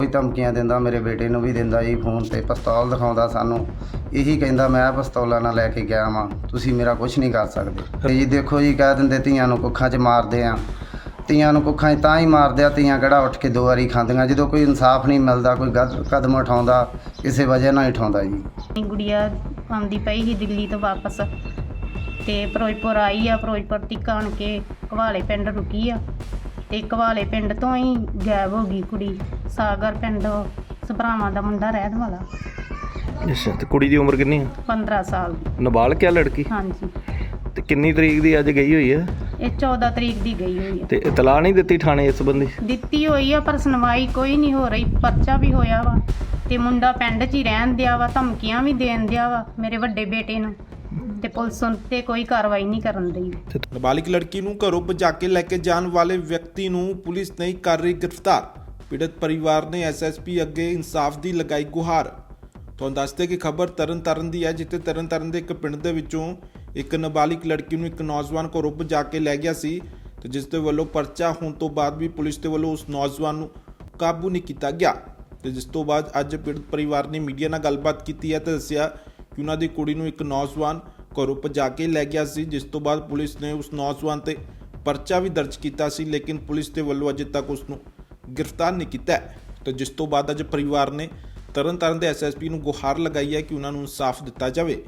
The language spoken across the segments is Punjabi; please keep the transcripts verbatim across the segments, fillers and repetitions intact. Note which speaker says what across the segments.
Speaker 1: ਰੋਜ਼ ਧਮਕੀਆਂ ਦਿੰਦਾ, ਮੇਰੇ ਬੇਟੇ ਨੂੰ ਵੀ ਦਿੰਦਾ ਜੀ ਫੋਨ ਤੇ, ਪਿਸਤੌਲ ਦਿਖਾਉਂਦਾ ਸਾਨੂੰ। ਇਹੀ ਕਹਿੰਦਾ ਮੈਂ ਪਿਸਤੌਲਾਂ ਨਾਲ ਲੈ ਕੇ ਗਿਆ ਵਾਂ, ਤੁਸੀਂ ਮੇਰਾ ਕੁਝ ਨਹੀਂ ਕਰ ਸਕਦੇ। ਤੇ ਜੀ ਦੇਖੋ ਜੀ, ਕਹਿ ਦਿੰਦੇ ਧੀਆਂ ਨੂੰ ਕੁੱਖਾਂ 'ਚ ਮਾਰਦੇ ਆ, ਧੀਆਂ ਨੂੰ ਕੁੱਖਾਂ 'ਚ ਤਾਂ ਹੀ ਮਾਰਦੇ ਆ, ਧੀਆਂ ਕਿਹੜਾ ਉੱਠ ਕੇ ਦੋ ਵਾਰੀ ਖਾਂਦੀਆਂ। ਜਦੋਂ ਕੋਈ ਇਨਸਾਫ ਨਹੀਂ ਮਿਲਦਾ, ਕੋਈ ਗਲਤ ਕਦਮ ਉਠਾਉਂਦਾ, ਕਿਸੇ ਵਜ੍ਹਾ ਨਾਲ ਹੀ ਉਠਾਉਂਦਾ ਜੀ।
Speaker 2: ਗੁੜੀਆ ਆਉਂਦੀ ਪਈ ਸੀ ਦਿੱਲੀ ਤੋਂ ਵਾਪਸ, ਤੇ ਫਿਰੋਜ਼ਪੁਰ ਆਈ ਆ, ਫਿਰੋਜ਼ਪੁਰ ਤੀਕ ਆਣ ਕੇ ਘਵਾਲੇ ਪਿੰਡ ਰੁਕੀ ਆ, ਤੇ ਘਵਾਲੇ ਪਿੰਡ ਤੋਂ ਹੀ ਗਾਇਬ ਹੋ ਗਈ ਕੁੜੀ। ਸਾਗਰ ਪਿੰਡ ਸਭਰਾਵਾਂ ਦਾ ਮੁੰਡਾ ਰਹਿਣ ਵਾਲਾ।
Speaker 3: ਅੱਛਾ, ਤੇ ਕੁੜੀ ਦੀ ਉਮਰ ਕਿੰਨੀ ਹੈ?
Speaker 2: ਪੰਦਰਾਂ ਸਾਲ ਦੀ।
Speaker 3: ਨਾਬਾਲਗ ਹੈ ਲੜਕੀ?
Speaker 2: ਹਾਂਜੀ।
Speaker 3: ਤੇ ਕਿੰਨੀ ਤਰੀਕ ਦੀ ਅੱਜ ਗਈ ਹੋਈ ਹੈ?
Speaker 2: ਇਹ ਚੌਦਾਂ ਤਰੀਕ ਦੀ ਗਈ ਹੋਈ ਆ।
Speaker 3: ਤੇ ਇਤਲਾਹ ਨਹੀਂ ਦਿੱਤੀ ਥਾਣੇ ਇਸ ਸੰਬੰਧੀ?
Speaker 2: ਦਿੱਤੀ ਹੋਈ ਆ, ਪਰ ਸੁਣਵਾਈ ਕੋਈ ਨਹੀਂ ਹੋ ਰਹੀ। ਪਰਚਾ ਵੀ ਹੋਇਆ ਵਾ, ਤੇ ਮੁੰਡਾ ਪਿੰਡ 'ਚ ਹੀ ਰਹਿਣ ਦਿਆ ਵਾ, ਧਮਕੀਆਂ ਵੀ ਦੇਣ ਦਿਆ ਵਾ ਮੇਰੇ ਵੱਡੇ ਬੇਟੇ ਨੂੰ, ਤੇ ਪੁਲਿਸ ਤੇ ਕੋਈ ਕਾਰਵਾਈ ਨਹੀਂ ਕਰਨ ਦੀ।
Speaker 4: ਨਾਬਾਲਿਗ ਲੜਕੀ ਨੂੰ ਘਰੋਂ ਭਜਾ ਕੇ ਲੈ ਕੇ ਜਾਣ ਵਾਲੇ ਵਿਅਕਤੀ ਨੂੰ ਪੁਲਿਸ ਨਹੀਂ ਕਰ ਰਹੀ ਗ੍ਰਿਫਤਾਰ। ਪੀੜਤ ਪਰਿਵਾਰ ਨੇ ਐਸ ਐਸ ਪੀ ਅੱਗੇ ਇਨਸਾਫ ਦੀ ਲਗਾਈ ਗੁਹਾਰ। ਤੁਹਾਨੂੰ ਦੱਸਦੇ ਕਿ ਖਬਰ ਤਰਨ ਤਾਰਨ ਦੀ ਹੈ, ਜਿੱਥੇ ਤਰਨ ਤਾਰਨ ਦੇ ਇੱਕ ਪਿੰਡ ਦੇ ਵਿੱਚੋਂ ਇੱਕ ਨਾਬਾਲਿਗ ਲੜਕੀ ਨੂੰ ਇੱਕ ਨੌਜਵਾਨ ਘਰੋਂ ਭਜਾ ਕੇ ਲੈ ਗਿਆ ਸੀ, ਤੇ ਜਿਸ ਦੇ ਵੱਲੋਂ ਪਰਚਾ ਹੋਣ ਤੋਂ ਬਾਅਦ ਵੀ ਪੁਲਿਸ ਦੇ ਵੱਲੋਂ ਉਸ ਨੌਜਵਾਨ ਨੂੰ ਕਾਬੂ ਨਹੀਂ ਕੀਤਾ ਗਿਆ। ਤੇ ਜਿਸ ਤੋਂ ਬਾਅਦ ਅੱਜ ਪੀੜਤ ਪਰਿਵਾਰ ਨੇ ਮੀਡੀਆ ਨਾਲ ਗੱਲਬਾਤ ਕੀਤੀ ਹੈ ਤੇ ਦੱਸਿਆ ਕਿ ਉਹਨਾਂ ਦੀ ਕੁੜੀ ਨੂੰ ਇੱਕ ਨੌਜਵਾਨ ਘਰੋਂ ਭਜਾ ਕੇ ਲੈ ਗਿਆ ਸੀ, ਜਿਸ ਤੋਂ ਬਾਅਦ ਪੁਲਿਸ ਨੇ ਉਸ ਨੌਜਵਾਨ ਤੇ ਪਰਚਾ ਵੀ ਦਰਜ ਕੀਤਾ ਸੀ, ਲੇਕਿਨ ਪੁਲਿਸ ਦੇ ਵੱਲੋਂ ਅਜੇ ਤੱਕ ਉਸ ਨੂੰ ਗ੍ਰਿਫਤਾਰ ਨਹੀਂ ਕੀਤਾ। ਤੇ ਜਿਸ ਤੋਂ ਬਾਅਦ ਅੱਜ ਪਰਿਵਾਰ ਨੇ ਤਰਨ ਤਾਰਨ ਦੇ ਐਸ ਐਸ ਪੀ ਨੂੰ ਗੁਹਾਰ ਲਗਾਈ ਹੈ ਕਿ ਉਹਨਾਂ ਨੂੰ ਇਨਸਾਫ ਦਿੱਤਾ ਜਾਵੇ।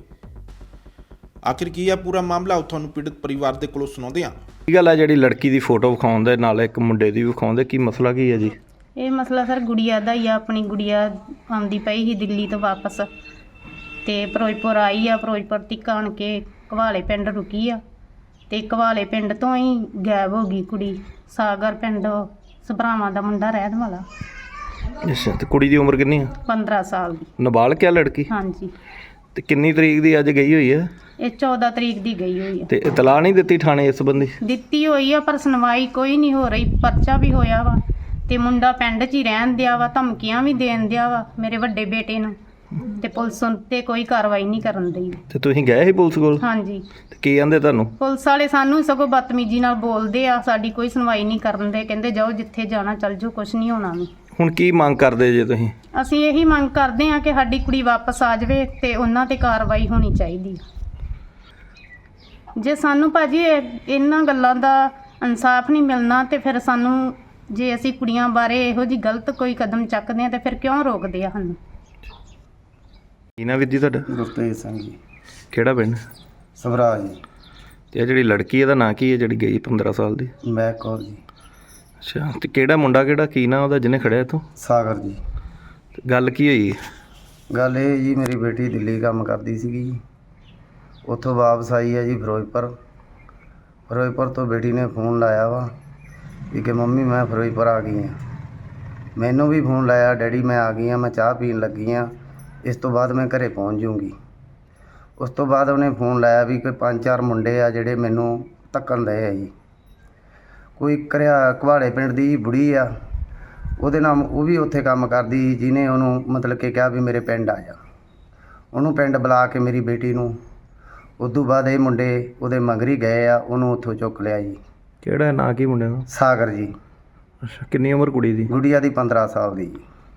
Speaker 4: ਆਖਿਰ ਕੀ ਹੈ ਪੂਰਾ ਮਾਮਲਾ, ਉਹ ਤੁਹਾਨੂੰ ਪੀੜਤ ਪਰਿਵਾਰ ਦੇ ਕੋਲੋਂ ਸੁਣਾਉਂਦੇ ਹਾਂ।
Speaker 3: ਕੀ ਗੱਲ ਹੈ ਜਿਹੜੀ ਲੜਕੀ ਦੀ ਫੋਟੋ ਵਿਖਾਉਂਦੇ ਨਾਲ ਇੱਕ ਮੁੰਡੇ ਦੀ ਵਿਖਾਉਂਦੇ, ਕੀ ਮਸਲਾ ਕੀ ਹੈ ਜੀ?
Speaker 2: ਇਹ ਮਸਲਾ ਸਰ ਗੁੜੀਆ ਦਾ ਹੀ ਆ। ਆਪਣੀ ਗੁੜੀਆ ਆਉਂਦੀ ਪਈ ਸੀ ਦਿੱਲੀ ਤੋਂ ਵਾਪਸ, ਤੇ ਫਿਰੋਜ਼ਪੁਰ ਆਈ ਆ, ਫਿਰੋਜ਼ਪੁਰ ਤੀਕ ਆਣ ਕੇ ਘਵਾਲੇ ਪਿੰਡ ਰੁਕੀ ਆ, ਤੇ ਘਵਾਲੇ ਪਿੰਡ ਤੋਂ ਹੀ ਗਾਇਬ ਹੋ ਗਈ ਕੁੜੀ। ਸਾਗਰ ਪਿੰਡ ਸਭਰਾਵਾਂ ਦਾ ਮੁੰਡਾ ਰਹਿਣ ਵਾਲਾ।
Speaker 3: ਅੱਛਾ, ਤੇ ਕੁੜੀ ਦੀ ਉਮਰ ਕਿੰਨੀ ਹੈ?
Speaker 2: ਪੰਦਰਾਂ ਸਾਲ ਦੀ।
Speaker 3: ਨਾਬਾਲਗ ਹੈ ਲੜਕੀ?
Speaker 2: ਹਾਂਜੀ।
Speaker 3: ਤੇ ਕਿੰਨੀ ਤਰੀਕ ਦੀ ਅੱਜ ਗਈ ਹੋਈ ਹੈ?
Speaker 2: ਇਹ ਚੌਦਾਂ ਤਰੀਕ ਦੀ ਗਈ ਹੋਈ ਆ।
Speaker 3: ਤੇ ਇਤਲਾਹ ਨਹੀਂ ਦਿੱਤੀ ਥਾਣੇ ਇਸ ਸੰਬੰਧੀ?
Speaker 2: ਦਿੱਤੀ ਹੋਈ ਆ, ਪਰ ਸੁਣਵਾਈ ਕੋਈ ਨਹੀਂ ਹੋ ਰਹੀ। ਪਰਚਾ ਵੀ ਹੋਇਆ ਵਾ, ਤੇ ਮੁੰਡਾ ਪਿੰਡ 'ਚ ਹੀ ਰਹਿਣ ਦਿਆ ਵਾ, ਧਮਕੀਆਂ ਵੀ ਦੇਣ ਦਿਆ ਵਾ ਮੇਰੇ ਵੱਡੇ ਬੇਟੇ ਨੂੰ, ਤੇ ਪੁਲਿਸ ਤੇ ਕੋਈ ਕਾਰਵਾਈ ਨਹੀਂ ਕਰਨ ਦੀ।
Speaker 3: ਤੇ ਤੁਸੀਂ ਗਏ ਸੀ ਪੁਲਿਸ ਕੋਲ?
Speaker 2: ਹਾਂਜੀ।
Speaker 3: ਤੇ ਕੀ ਕਹਿੰਦੇ ਤੁਹਾਨੂੰ?
Speaker 2: ਪੁਲਿਸ ਵਾਲੇ ਸਾਨੂੰ ਸਗੋਂ ਬਦਤਮੀਜ਼ੀ ਨਾਲ ਬੋਲਦੇ ਆ, ਸਾਡੀ ਕੋਈ ਸੁਣਵਾਈ ਨਹੀਂ ਕਰਨ ਦੇ। ਕਹਿੰਦੇ ਜਾਓ ਜਿੱਥੇ ਜਾਣਾ ਚੱਲ ਜਾਓ, ਕੁਛ ਨਹੀਂ ਹੋਣਾ ਵੀ।
Speaker 3: ਹੁਣ ਕੀ ਮੰਗ ਕਰਦੇ ਜੇ ਤੁਸੀਂ?
Speaker 2: ਅਸੀਂ ਇਹੀ ਮੰਗ ਕਰਦੇ ਹਾਂ ਕਿ ਸਾਡੀ ਕੁੜੀ ਵਾਪਸ ਆ ਜਾਵੇ, ਤੇ ਉਹਨਾਂ ਤੇ ਕਾਰਵਾਈ ਹੋਣੀ ਚਾਹੀਦੀ। ਜੇ ਸਾਨੂੰ ਭਾਜੀ ਇਹਨਾਂ ਗੱਲਾਂ ਦਾ ਇਨਸਾਫ ਨਹੀਂ ਮਿਲਣਾ, ਤੇ ਫਿਰ ਸਾਨੂੰ, ਜੇ ਅਸੀਂ ਕੁੜੀਆਂ ਬਾਰੇ ਇਹੋ ਜਿਹੀ ਗਲਤ ਕੋਈ ਕਦਮ ਚੱਕਦੇ ਹਾਂ, ਤੇ ਫਿਰ ਕਿਉਂ ਰੋਕਦੇ ਆ ਸਾਨੂੰ?
Speaker 3: ਕੀ ਨਾ ਵੀਰ ਜੀ ਤੁਹਾਡਾ?
Speaker 1: ਗੁਰਤੇਜ ਸਿੰਘ ਜੀ।
Speaker 3: ਕਿਹੜਾ ਪਿੰਡ?
Speaker 1: ਸਭਰਾ ਜੀ।
Speaker 3: ਤੇ ਇਹ ਜਿਹੜੀ ਲੜਕੀ ਇਹਦਾ ਨਾਂ ਕੀ ਹੈ ਜਿਹੜੀ ਗਈ ਪੰਦਰਾਂ ਸਾਲ ਦੀ?
Speaker 1: ਮੈਂ ਕੌਰ ਜੀ।
Speaker 3: ਅੱਛਾ, ਤੇ ਕਿਹੜਾ ਮੁੰਡਾ, ਕਿਹੜਾ ਕੀ ਨਾਂ ਉਹਦਾ ਜਿਹਨੇ ਖੜਿਆ ਇੱਥੋਂ?
Speaker 1: ਸਾਗਰ ਜੀ।
Speaker 3: ਤੇ ਗੱਲ ਕੀ ਹੋਈ?
Speaker 1: ਗੱਲ ਇਹ ਜੀ, ਮੇਰੀ ਬੇਟੀ ਦਿੱਲੀ ਕੰਮ ਕਰਦੀ ਸੀਗੀ ਜੀ, ਉੱਥੋਂ ਵਾਪਸ ਆਈ ਹੈ ਜੀ ਫਿਰੋਜ਼ਪੁਰ। ਫਿਰੋਜ਼ਪੁਰ ਤੋਂ ਬੇਟੀ ਨੇ ਫੋਨ ਲਾਇਆ ਵਾ ਵੀ ਕਿ ਮੰਮੀ ਮੈਂ ਫਿਰੋਜ਼ਪੁਰ ਆ ਗਈ ਹਾਂ। ਮੈਨੂੰ ਵੀ ਫੋਨ ਲਾਇਆ, ਡੈਡੀ ਮੈਂ ਆ ਗਈ ਹਾਂ, ਮੈਂ ਚਾਹ ਪੀਣ ਲੱਗੀ ਹਾਂ, ਇਸ ਤੋਂ ਬਾਅਦ ਮੈਂ ਘਰੇ ਪਹੁੰਚ ਜੂੰਗੀ। ਉਸ ਤੋਂ ਬਾਅਦ ਉਹਨੇ ਫੋਨ ਲਾਇਆ ਵੀ ਕੋਈ ਪੰਜ ਚਾਰ ਮੁੰਡੇ ਆ ਜਿਹੜੇ ਮੈਨੂੰ ਧੱਕਣ ਲਏ ਆ ਜੀ। ਕੋਈ ਘਰਿਆ ਘਵਾੜੇ ਪਿੰਡ ਦੀ ਬੁੜੀ ਆ, ਉਹਦੇ ਨਾਲ ਉਹ ਵੀ ਉੱਥੇ ਕੰਮ ਕਰਦੀ, ਜਿਹਨੇ ਉਹਨੂੰ ਮਤਲਬ ਕਿ ਕਿਹਾ ਵੀ ਮੇਰੇ ਪਿੰਡ ਆ ਜਾ। ਉਹਨੂੰ ਪਿੰਡ ਬੁਲਾ ਕੇ ਮੇਰੀ ਬੇਟੀ ਨੂੰ, ਉਦੋਂ ਬਾਅਦ ਇਹ ਮੁੰਡੇ ਉਹਦੇ ਮਗਰ ਹੀ ਗਏ ਆ, ਉਹਨੂੰ ਉੱਥੋਂ ਚੁੱਕ ਲਿਆ ਜੀ।
Speaker 3: ਕਿਹੜਾ ਨਾਂ ਕੀ ਮੁੰਡੇ ਦਾ?
Speaker 1: ਸਾਗਰ ਜੀ।
Speaker 3: ਅੱਛਾ, ਕਿੰਨੀ ਉਮਰ ਕੁੜੀ ਦੀ?
Speaker 1: ਗੁੜੀਆ ਦੀ ਪੰਦਰਾਂ ਸਾਲ ਦੀ ਜੀ।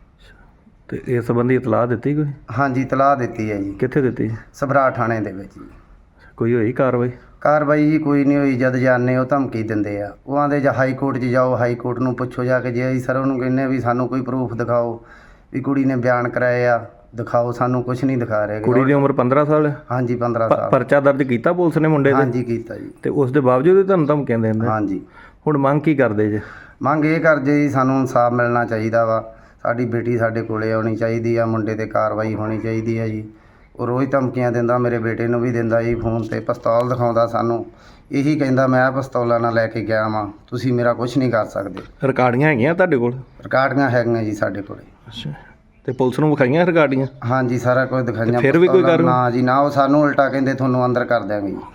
Speaker 3: ਤੇ ਇਸ ਸੰਬੰਧੀ ਇਤਲਾਹ ਦਿੱਤੀ ਕੋਈ?
Speaker 1: ਹਾਂਜੀ, ਇਤਲਾਹ ਦਿੱਤੀ ਹੈ ਜੀ।
Speaker 3: ਕਿੱਥੇ ਦਿੱਤੀ?
Speaker 1: ਸਭਰਾ ਥਾਣੇ ਦੇ ਵਿੱਚ ਜੀ।
Speaker 3: ਕੋਈ ਹੋਈ ਕਾਰਵਾਈ?
Speaker 1: ਕਾਰਵਾਈ ਜੀ ਕੋਈ ਨਹੀਂ ਹੋਈ। ਜਦ ਜਾਂਦੇ ਉਹ ਧਮਕੀ ਦਿੰਦੇ ਆ, ਉਹ ਆਂਦੇ ਜਾਂ ਹਾਈ ਕੋਰਟ 'ਚ ਜਾਓ, ਹਾਈ ਕੋਰਟ ਨੂੰ ਪੁੱਛੋ ਜਾ ਕੇ। ਜੇ ਅਸੀਂ ਸਰ ਉਹਨੂੰ ਕਹਿੰਦੇ ਵੀ ਸਾਨੂੰ ਕੋਈ ਪ੍ਰੂਫ ਦਿਖਾਓ ਵੀ ਕੁੜੀ ਨੇ ਬਿਆਨ ਕਰਾਏ ਆ, ਦਿਖਾਓ, ਸਾਨੂੰ ਕੁਝ ਨਹੀਂ ਦਿਖਾ ਰਹੇ।
Speaker 3: ਕੁੜੀ ਦੀ ਉਮਰ ਪੰਦਰਾਂ ਸਾਲ ਹੈ?
Speaker 1: ਹਾਂਜੀ, ਪੰਦਰਾਂ ਸਾਲ।
Speaker 3: ਪਰਚਾ ਦਰਜ ਕੀਤਾ ਪੁਲਿਸ ਨੇ ਮੁੰਡੇ ਦੇ?
Speaker 1: ਹਾਂਜੀ, ਕੀਤਾ ਜੀ।
Speaker 3: ਤੇ ਉਸ ਦੇ ਬਾਵਜੂਦ ਵੀ ਤੁਹਾਨੂੰ ਧਮਕੀਆਂ ਦਿੰਦੇ?
Speaker 1: ਹਾਂਜੀ।
Speaker 3: ਹੁਣ ਮੰਗ ਕੀ ਕਰਦੇ ਜੇ?
Speaker 1: ਮੰਗ ਇਹ ਕਰਦੇ ਜੀ, ਸਾਨੂੰ ਇਨਸਾਫ ਮਿਲਣਾ ਚਾਹੀਦਾ ਵਾ, ਸਾਡੀ ਬੇਟੀ ਸਾਡੇ ਕੋਲੇ ਆਉਣੀ ਚਾਹੀਦੀ ਆ, ਮੁੰਡੇ 'ਤੇ ਕਾਰਵਾਈ ਹੋਣੀ ਚਾਹੀਦੀ ਹੈ ਜੀ। ਉਹ ਰੋਜ਼ ਧਮਕੀਆਂ ਦਿੰਦਾ, ਮੇਰੇ ਬੇਟੇ ਨੂੰ ਵੀ ਦਿੰਦਾ ਜੀ ਫੋਨ ਤੇ, ਪਿਸਤੌਲ ਦਿਖਾਉਂਦਾ ਸਾਨੂੰ। ਇਹੀ ਕਹਿੰਦਾ ਮੈਂ ਪਿਸਤੌਲਾਂ ਨਾਲ ਲੈ ਕੇ ਗਿਆ ਵਾਂ, ਤੁਸੀਂ ਮੇਰਾ ਕੁਝ ਨਹੀਂ ਕਰ ਸਕਦੇ।
Speaker 3: ਰਿਕਾਰਡੀਆਂ ਹੈਗੀਆਂ ਤੁਹਾਡੇ ਕੋਲ?
Speaker 1: ਰਿਕਾਰਡੀਆਂ ਹੈਗੀਆਂ ਜੀ ਸਾਡੇ ਕੋਲੇ।
Speaker 3: ਅੱਛਾ, ਤੇ ਪੁਲਿਸ ਨੂੰ ਵਿਖਾਈਆਂ ਰਿਕਾਰਡੀਆਂ?
Speaker 1: ਹਾਂਜੀ, ਸਾਰਾ ਕੁਝ ਦਿਖਾਈਆਂ।
Speaker 3: ਫਿਰ ਵੀ ਕੋਈ ਕਾਰਵਾਈ?
Speaker 1: ਨਾ ਜੀ ਨਾ, ਉਹ ਸਾਨੂੰ ਉਲਟਾ ਕਹਿੰਦੇ ਤੁਹਾਨੂੰ ਅੰਦਰ ਕਰ ਦਿਆਂਗੇ ਜੀ।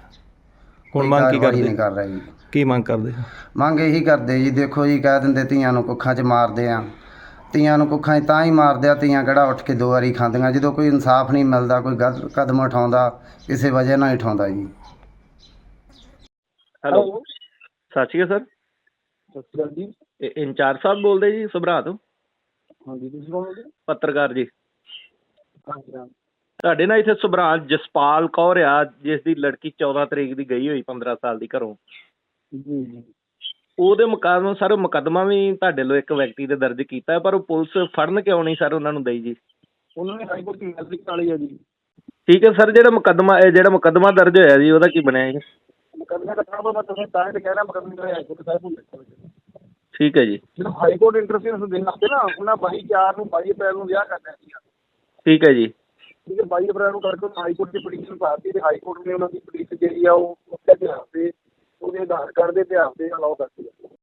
Speaker 3: ਹੁਣ ਮੰਗ ਕੀ ਕਰਦੇ?
Speaker 1: ਨਹੀਂ ਕਰ ਰਹੇ ਜੀ।
Speaker 3: ਕੀ ਮੰਗ ਕਰਦੇ?
Speaker 1: ਮੰਗ ਇਹੀ ਕਰਦੇ ਜੀ, ਦੇਖੋ ਜੀ, ਕਹਿ ਦਿੰਦੇ ਧੀਆਂ ਨੂੰ ਕੁੱਖਾਂ 'ਚ ਮਾਰਦੇ ਆ, ਧੀਆਂ ਨੂੰ ਕੁੱਖਾਂ 'ਚ ਤਾਂ ਹੀ ਮਾਰਦੇ ਆ, ਧੀਆਂ ਕਿਹੜਾ ਉੱਠ ਕੇ ਦੋ ਵਾਰੀ ਖਾਂਦੀਆਂ। ਜਦੋਂ ਕੋਈ ਇਨਸਾਫ ਨਹੀਂ ਮਿਲਦਾ, ਕੋਈ ਗਲਤ ਕਦਮ ਉਠਾਉਂਦਾ, ਕਿਸੇ ਵਜ੍ਹਾ ਨਾਲ ਹੀ ਉਠਾਉਂਦਾ ਜੀ।
Speaker 3: ਹੈਲੋ, ਸਤਿ ਸ਼੍ਰੀ ਅਕਾਲ ਸਰ।
Speaker 5: ਸਤਿ ਸ਼੍ਰੀ ਅਕਾਲ ਜੀ।
Speaker 3: ਇਹ ਇੰਚਾਰਜ ਸਾਹਿਬ ਬੋਲਦੇ ਜੀ ਸਭਰਾ ਤੋਂ?
Speaker 5: ਹਾਂਜੀ ਤੁਸੀਂ ਕੌਣ ਬੋਲਦੇ?
Speaker 3: ਪੱਤਰਕਾਰ ਜੀ।
Speaker 5: ਹਾਂਜੀ ਹਾਂ।
Speaker 3: ਤੁਹਾਡੇ ਨਾਲ ਇੱਥੇ ਸੁਭਰਾਜ ਜਸਪਾਲ ਕੌਰ ਆ, ਜਿਸ ਦੀ ਲੜਕੀ ਚੌਦਾਂ ਤਰੀਕ ਦੀ ਗਈ ਹੋਈ ਪੰਦਰਾਂ ਸਾਲ ਦੀ ਘਰੋਂ।
Speaker 5: ਜੀ ਜੀ।
Speaker 3: ਉਹਦੇ ਮੁਕਾਬਲੇ ਸਰ ਮੁਕੱਦਮਾ ਵੀ ਤੁਹਾਡੇ ਲੋ ਇੱਕ ਵਿਅਕਤੀ ਦੇ ਦਰਜ ਕੀਤਾ ਹੈ, ਪਰ ਉਹ ਪੁਲਿਸ ਫੜਨ ਕਿਉਂ ਨਹੀਂ ਸਰ ਉਹਨਾਂ ਨੂੰ ਦਈ ਜੀ?
Speaker 5: ਉਹਨਾਂ ਨੇ ਹਾਈ ਕੋਰਟ ਦੀ ਮੈਟ੍ਰਿਕ ਵਾਲੀ ਆ ਜੀ।
Speaker 3: ਠੀਕ ਹੈ ਸਰ, ਜਿਹੜਾ ਮੁਕੱਦਮਾ ਇਹ ਜਿਹੜਾ ਮੁਕੱਦਮਾ ਦਰਜ ਹੋਇਆ ਜੀ ਉਹਦਾ ਕੀ ਬਣਿਆ ਜੀ?
Speaker 5: ਮੁਕੱਦਮੇ ਦਾ ਕੰਮ ਮੈਂ ਤੁਹਾਨੂੰ ਤਾਂ ਹੀ ਕਹਿ ਰਿਹਾ, ਮੁਕੱਦਮੇ ਦਾ ਹਾਈ ਕੋਰਟ ਸਾਹਿਬ ਨੂੰ ਦੇਖੋ।
Speaker 3: ਠੀਕ ਹੈ ਜੀ।
Speaker 5: ਜਦੋਂ ਹਾਈ ਕੋਰਟ ਇੰਟਰਫੇਰੈਂਸ ਦੇਣ ਲੱਗੇ ਨਾ, ਉਹਨਾਂ ਬਾਈ ਚਾਰ ਨੂੰ ਬਾਈ ਅਪ੍ਰੈਲ ਨੂੰ ਵਿਆਹ ਕਰਨਾ ਸੀਗਾ।
Speaker 3: ਠੀਕ ਹੈ ਜੀ।
Speaker 5: ਠੀਕ ਹੈ, ਬਾਈ ਅਪ੍ਰੈਲ ਨੂੰ ਕਰਕੇ ਹਾਈ ਕੋਰਟ ਦੀ ਪਟੀਸ਼ਨ ਪਾਤੀ ਤੇ ਹਾਈ ਕੋਰਟ ਨੇ ਉਹਨਾਂ ਦੀ ਪਟੀਸ਼ਨ ਜਿਹੜੀ ਆ ਉਹ ਉਹਦੇ ਇਤਿਹਾਸ ਤੇ ਉਹਦੇ ਆਧਾਰ ਕਾਰਡ ਦੇ ਇਤਿਹਾਸ ਤੇ ਅਲਾਉ ਕਰਤੀ।